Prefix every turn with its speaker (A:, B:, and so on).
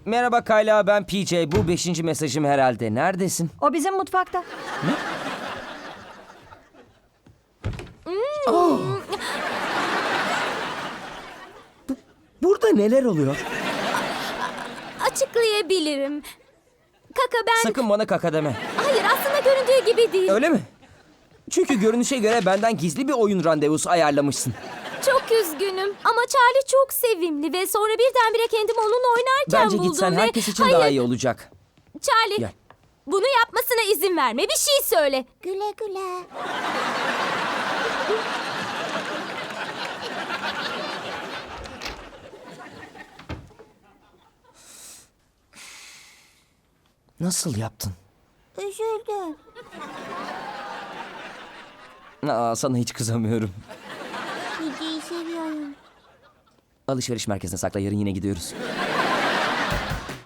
A: Merhaba Kayla, ben PJ. Bu 5. mesajım herhalde. Neredesin?
B: O bizim mutfakta.
A: Burada neler oluyor?
C: Açıklayabilirim. Kaka ben...
A: Sakın bana kaka deme.
C: Hayır, aslında göründüğü gibi değil.
A: Öyle mi? Çünkü görünüşe göre benden gizli bir oyun randevusu ayarlamışsın.
C: Çok üzgünüm ama Charlie çok sevimli ve sonra birdenbire kendimi onunla oynarken
A: Bence
C: buldum
A: gitsen
C: ve...
A: herkes için
C: Hayır,
A: daha iyi olacak.
C: Charlie,
A: Gel.
C: bunu yapmasına izin verme. Bir şey söyle.
D: Güle güle.
A: Nasıl yaptın?
D: Üzüldüm.
A: Sana hiç kızamıyorum.
D: Piji'yi seviyorum.
A: Alışveriş merkezine sakla, yarın yine gidiyoruz.